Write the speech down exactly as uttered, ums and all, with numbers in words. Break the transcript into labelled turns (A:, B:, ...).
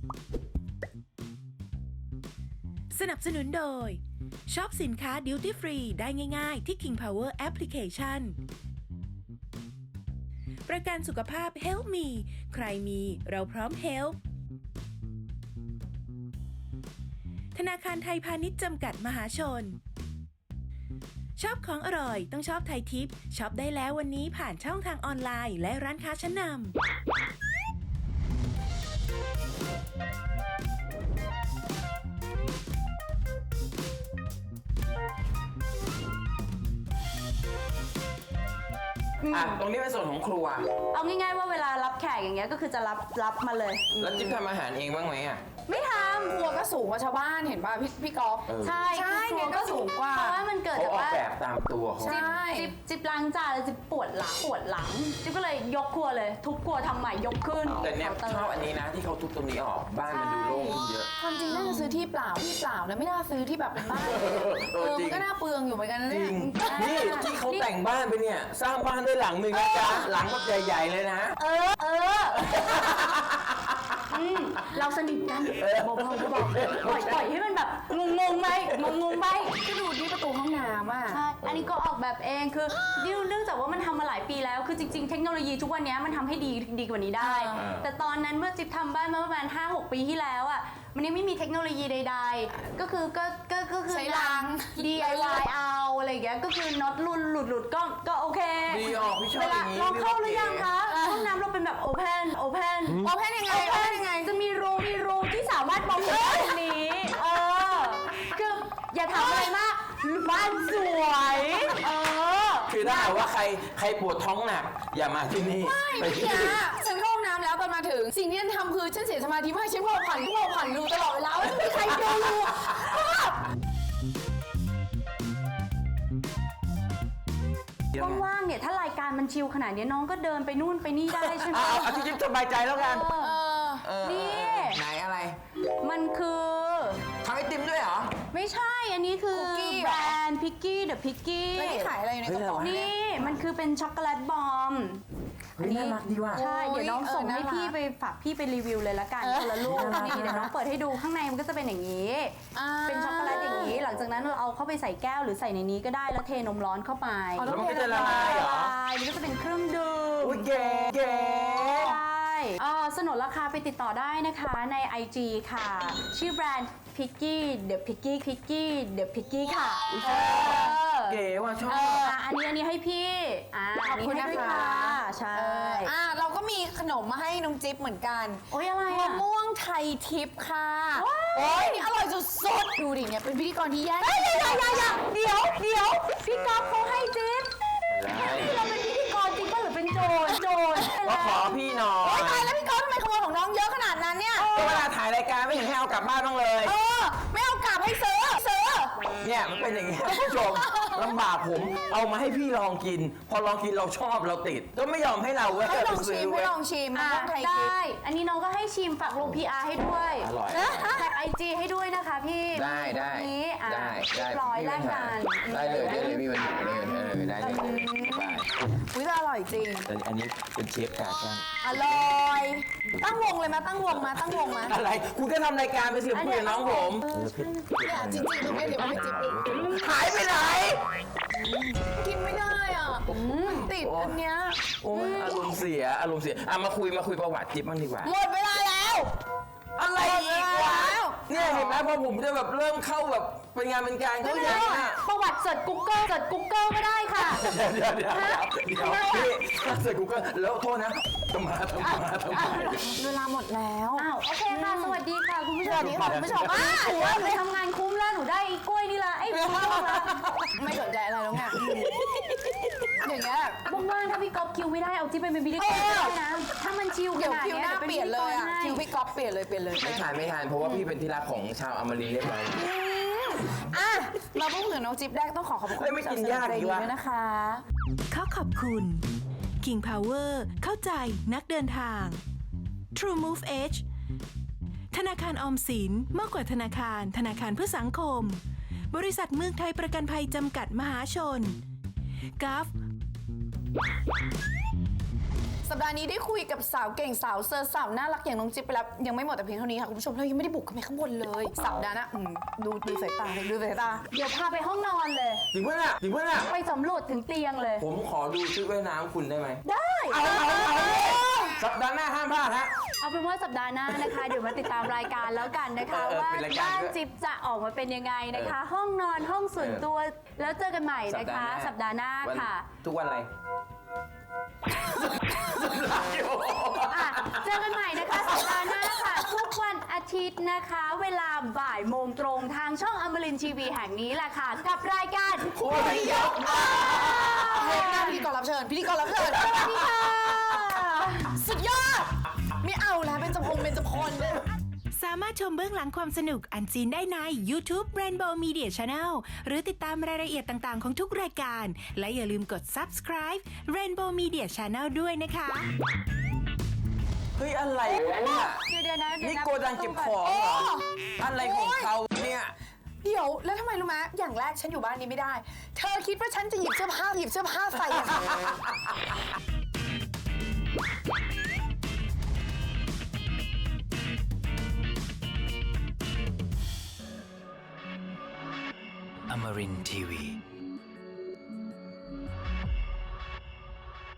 A: สนับสนุนโดยช็อปสินค้าดิวตี้ฟรีได้ง่ายๆที่ King Power Application ประกันสุขภาพ Help Me ใครมีเราพร้อม Help ธนาคารไทยพาณิชย์จำกัดมหาชนชอบของอร่อยต้องชอบไทยทิปช็อปได้แล้ววันนี้ผ่านช่องทางออนไลน์และร้านค้าชั้นนำ
B: อ่ะตรงนี้เป็นส่วนของครัว
C: เอาง่ายๆว่าเวลารับแขกอย่างเงี้ยก็คือจะรับรับมาเลย
B: แล้วจิ๊บทำอาหารเองบ้างไหมอ่ะ
C: ไม่ทำ
D: ครัวก็สูงกว่าชาวบ้านเห็นป่ะพี่พี่ก๊อฟ
C: ใช่
D: ใช่เนี่ยก็สูงกว่า
C: เพราะว่ามันเกิด
B: เขา
C: จาก
B: ออก
C: ว่า
B: แบบตามตัวเขา
D: ใช่
C: จิ๊บจิ๊บล้างจานแล้วจิ๊บปวดหลังปวดหลังจิ๊บก็เลยยกครัวเลยทุบครัวทำใหม่ยกขึ้น
B: แต่เนี่ย
C: คาน์ต
B: ชอบอันนี้นะที่เขาทุบตรงนี้ออกบ้านมันดูโล่งขึ้นเยอะ
D: ความจริงน่าจะซื้อที่เปล่าที่เปล่านะไม่น่าซื้อที่แบบเป็นบ้านเลยอะ
B: เอ
D: เอ
B: อ
D: อ
B: จริ
D: มั
B: ง
D: นก็น่าเปลืองอยู่เหมือนกันนะ
B: จริ
D: เนี่ย
B: งนี่ที่เขาแต่งบ้านไปเนี่ยสร้างบ้านได้หลังหนึ่งนะจ๊ะหลังแบบใหญ่ๆเลยนะ
C: เออเอออืมเราสนิทกันบอกบอกบอกปล่อยปล่อยให้มันแบบงงงๆไปงงงๆไป
D: ก็ดูที่ประตูห้องน้ำอ่ะ
C: ใช่ อันนี้ก็ออกแบบเองคือดิวเนื่องจากว่ามันทำมาหลายปีแล้ว คือจริงๆ เทคโนโลยีทุกวันนี้มันทำให้ดีดีกว่านี้ได้
D: อ่า
C: แต่ตอนนั้นเมื่อจิ๊บทำบ้านมาประมาณ ห้าหก ปีที่แล้วอ่ะ มันยังไม่มีเทคโนโลยีใดๆ ก็คือก็ก็ก็คือ
D: ใช้ราง
C: ดี ไอ วาย เอาอะไรอย่างเงี้ย ก็คือน็อตหลุดหลุดหลุดก็ก็โอเค
B: ดีออกพี่ชอบ
C: เว
B: อ
C: ลา
B: ย่างนี้
C: ลองเข้าหรือยัง
B: พี่
C: คะ
B: ว่า
C: ห้องน้ำเราเป็นแบบโอเพนโอเพน
D: โอเพนยังไงโอเพนยังไง
C: จะมีรูมีรูที่สามารถมองเห็นตรงนี้ เออ คืออย่าถามอะไรมากบ้านสวย เออ
B: คือถ้าหากว่าใครใครปวดท้องหนัก อย่ามาที่นี่
D: ไม่
B: ที่
D: เมื่อกี้ฉันเข้าห้องน้ำแล้วตอนมาถึง สิ่งที่ฉันทำคือฉันเสียสมาธิมากฉันพอผ่านพอผ่านดูตลอดเวลาว่าไม่มีใครดู
C: ว่างๆเนี่ยถ้ารายการมันชิลขนาดนี้น้องก็เดินไปนู่นไปนี่ได้ใช่ไหม
B: เอาเอาที่จิ๊บสบายใจแล้วกัน
C: เออ
D: เออ
B: เออ
C: นี่
B: ไหนอะไร
C: มันคือ
B: ทำไอติมด้วยเหรอ
C: ไม่ใช่ อันนี้คือ
D: คุกกี้เหรอ
C: แบรนด์พิกกี้เดอะพิกกี้
D: แล้วนี่ขายอะไรอยู่ในกระป๋อง
B: เฮ้ยอะไรวะ
C: นี่มันคือเป็นช็อกโกแลตบอม
B: เฮ้ยน่ารักดีว่ะ
C: ใช่
D: โอ้ย
C: เดี๋ยวน้องส่ง
D: เออ
C: ให้
D: น่ารัก
C: พี่ไปฝากพี่ไปรีวิวเลยละกัน
D: เออ
C: คนละลูกนี่เดี๋ยวน้องเปิดให้ดูข้างในมันก็จะเป็นอย่างนี้
D: อ่า
C: เป็นช็อกโกแลตอย่างนี้ หลังจากนั้นเราเอาเข้าไปใส่แก้วหรือใส่ในนี้ก็ได้แล้วเทนมร้อนเข้าไป
D: อ๋อ
B: แล้วมันก็จะละลายเหรอ
C: ละลายมันก็จะเป็นเครื่องดื่ม
B: อุ้ยเก๋เก๋
C: ใช่เอ่อสนนราคาไปติดต่อได้นะคะใน ไอ จี ค่ะ ชื่อแบรนด์ Picky The Picky Picky The Picky ค่ะเออ
B: เก๋ว่ะชอบ
C: เอออ่ะอันนี้อันนี้ให้พี่อ่า
D: ขอบคุณ
C: นนี้
D: นะ
C: ให้ด้วย
D: คะ
C: ใช่
D: เอออ่ะเราก็มีขนมมาให้น้องจิ๊บเหมือนกัน
C: โอ้ยอะไร
D: มะ
C: อ่ะ
D: ม่วงไทยทิพย์ค่ะ
C: ว้าว
D: โอ้ยนี่อร่อยสุดๆดูดิเนี่ยเป็นพิธีกรที่แย่
C: เฮ้ยอย่าอย่าอย่าเดี๋ยวเดี๋ยวพี่ก๊อฟเขาให้จิ๊บ
B: ได้
C: นี่เราเป็นพิธีกรจริงป่ะหรือเป็นโจรโจร
B: ก็ขอพี่หน่อ
D: โอ๊ย
B: ย
D: ตายแล้วพี่ก๊อฟทำไมขโมยของน้องเยอะขนาดนั้นเนี่ย
B: ก็เวลาถ่ายรายการไม่เห็นให้เอากลับบ้านบ้างเลย
D: เออ ไม่เอากลับให้ซื้อซื้อ
B: เนี่ยมันเป็นอย่างนี้ท่านผู้ชมลำบากผมเอามาให้พี่ลองกิน พอลองกินเราชอบเราติด ก็ไม่ยอมให้เราเว้ย
D: ให้ลอง
B: ไปซื้
D: ชิมให้
B: เว้ย
D: ลองชิมมะ
C: อ่ะ
D: ม่วงไทย
C: ได
D: ทิพย์
C: ้ อันนี้น้องก็ให้ชิมฝากลง พี อาร์ ให้ด้วย
B: อร่อย
C: แท็กไอจีให้ด้วยนะคะพี่
B: ได้ได้
C: นี้อ่ะ
B: ได้ได้
C: เรียบร้อยแลกกัน
B: ได้เลยได้เลยมีปัญหาเลยเออได้เลยได้
D: อุ้ยแต่อร่อยจริง
B: แต่อันนี้เป็นเชฟกากัน
D: อร่อย ตั้งวงเลยมาตั้งวงมาตั้งวงมา
B: อะไรคุณก็ทำรายการไปสิคุยกับน้องผม
D: เนี่ยจริงๆตรงเนี้ยเดี๋ยวไม่จิ๊บอีก
B: หายไปไหน
D: กินไม่ได้อ่ะติดอันเนี้ย
B: โอ้ยอารมณ์เสียอารมณ์เสียอ่ะมาคุยมาคุยประวัติจิ๊บบ้างดีกว่า
D: หมดเวลาแล้ว
B: อะไรอีกวะเนี่ยเห็นไหมพอผมจะแบบเริ่มเข้าแบบเป็นงานเป็นการเขาอย่างนี้ย
C: ประวัติเสิร์ช Google เสิร์ช Google ก็ได้ค่ะ
B: เดี๋ยวเดี๋ยวเดี๋ยวเดี๋ยวพี่ถ้าเสร็จกูก็แล้วโทษนะทำมาทำมาทำมา
D: เวลาหมดแล้ว
C: อ้าวโอเคค่ะ สวัสดีค่ะคุณผู้ชม
D: สวัสดีค่ะคุณผู้ชม
C: อ่ะถือว่าหนูทำงานคุ้มแล้วหนูได้ไอ้กล้วยนี่ละไอ้กล้วยนี่ละ
D: ไม่สนใจอะไรแล้วไงอย่างเงี้ย
C: ว่างๆถ้าพี่ก๊อฟคิวไม่ได้เอาจิ๊บไปเป็นพิธีกรก็ได้นะ ถ้ามันชิลข
D: เดี๋ยว
C: นาด
D: คิว
C: เนี้
D: หน้า
C: ดี๋ว
D: เปลี่ยนเลยอ่ะ
C: พิธีกรให้
D: คิวพี่ก๊อฟเปลี่ยนเลยเปลี่ยนเลย
B: ไม่ทานไม่ทานเพราะว่าพี่เป็นที่รักของชาวอมรีเรียบร้อย
D: อ่ะเราพูดถึงน้องจิ๊บได้ต้องขอขอบคุณ
B: เฮ้ยไม่กินยาก
D: ใจ
B: ดี
D: ดี
B: วะ
D: ด้วยนะคะ
A: ขอขอบคุณ King Power เข้าใจนักเดินทาง True Move Edge ธนาคารออมสินมากกว่าธนาคารธนาคารเพื่อสังคม บริษัทเมืองไทยประกันภัยจำกัดมหาชน กัฟ
D: สัปดาห์นี้ได้คุยกับสาวเก่งสาวเซอร์สาวน่ารักอย่างน้องจิ๊บไปแล้วยังไม่หมดแต่เพียงเท่านี้ค่ะคุณผู้ชมเรายังไม่ได้บุกขึ้นไปข้างบนเลยสัปดาห์หน้าอืมดูดูสายตาดูสายตา
C: เดี๋ยวพาไปห้องนอนเลย
B: จริงปะเนี่ยจริงปะเนี่ย
C: ไปสำรวจถึงเตียงเลย
B: ผมขอดูชุดว่ายน้ำคุณได้ไหม
C: ได้
B: เอาเอาเอาเลยสัปดาห์หน้าห้ามพลาดฮะ
C: เอาเป็นว่าสัปดาห์หน้านะคะ เดี๋ยวมาติดตามรายการแล้วกันนะคะ
B: เออเออ
C: ว่า
B: เป็นรายการ
C: บ้าน
B: ด้วย
C: จิ๊บจะออกมาเป็นยังไงนะคะ ห้องนอนห้องส่วนตัวแล้วเจอกันใหม่นะคะ สัปดาห์หน้า
B: วัน
C: ค่ะ
B: ทุกวันอะไร
C: อ่ะเจอกันใหม่นะคะสัปดาห์หน้าค่ะ ทุกวันอาทิตย์นะคะ เวลาบ่ายโมงตรงทางช่องอมรินทร์ทีวีแห่งนี้แหละค่ะ กับรายการ
B: คุยยกมา
D: เฮ้ยหน้าพิธีกรรับเชิญพิธีกรรับเชิญ
C: สวัสดีค่ะ
D: สุดยอดไม่เอาแล้วเป็นจพงเป็นจพล
A: สามารถชมเบื้องหลังความสนุกอันซีนได้ใน YouTube Rainbow Media Channel หรือติดตามรายละเอียดต่างๆของทุกรายการ และอย่าลืมกด Subscribe Rainbow Media Channel ด้วยนะคะ
B: เฮ้ยอะไรวะเนี่ย
C: เดี๋ยวเดี๋ยวนะเดี๋ยว
B: นี่
C: นะ
B: โกดังเก็บของเหรอ อะไรของเขาเนี่ย
D: เดี๋ยวแล้วทำไมรู้ไหมอย่างแรกฉันอยู่บ้านนี้ไม่ได้ เธอคิดว่าฉันจะหยิบเสื้อผ้าหยิบเสื้อผ้าใส่อะ
E: Amarin Tiwi.